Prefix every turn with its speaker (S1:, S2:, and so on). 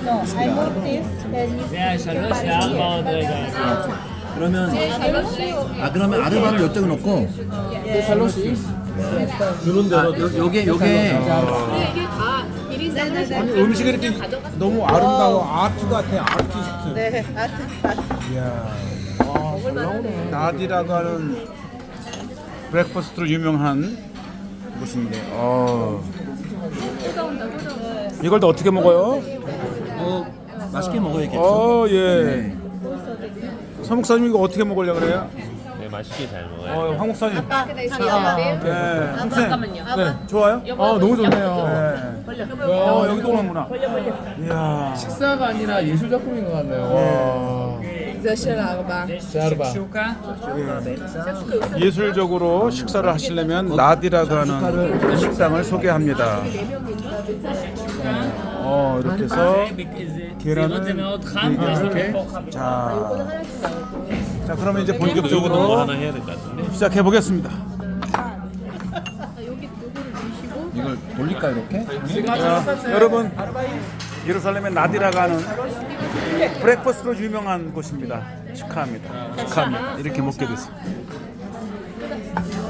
S1: No, I move this and you
S2: זה השלוש וארבע עוד רגע.
S3: 그러면 그러면 아르바를 이쪽에 놓고
S4: 주는 대로
S3: 요게
S5: 이게 다 1인 샌드위치.
S4: 음식이 이렇게 너무 아름다워. 아트 같아. 아티스트.
S1: 네, 아트.
S4: 이야. 나디라고 하는 브렉퍼스트로 유명한 곳인데. 이걸 또 어떻게 먹어요?
S3: 맛있게 먹어야겠죠.
S4: 예. 서 목사님 이거 어떻게 먹으려고 그래요?
S2: 네, 맛있게 잘 먹어요.
S4: 황 목사님.
S5: 잠깐만요.
S4: 네.
S5: 잠깐만요.
S4: 네. 좋아요?
S6: 너무 좋네요.
S4: 네. 여기도 오는구나. 이야.
S6: 식사가 아니라 예술 작품인 것 같네요.
S2: 슈카?
S4: 예술적으로 식사를 하시려면 나디라고 하는 식당을 소개합니다. 이렇게 해서 계란은
S2: זה מאוד חם,
S4: 이렇게. 자, 그러면 이제
S2: 이거 뭐
S4: 본격적으로
S2: 하나 해야 될 것 같은데.
S4: 시작해 보겠습니다.
S3: 이걸 돌릴까 이렇게?
S4: 여러분, 예루살렘의 나디라가 하는 브렉퍼스트로 유명한 곳입니다. 축하합니다. 축하합니다. 이렇게 먹게 됐습니다.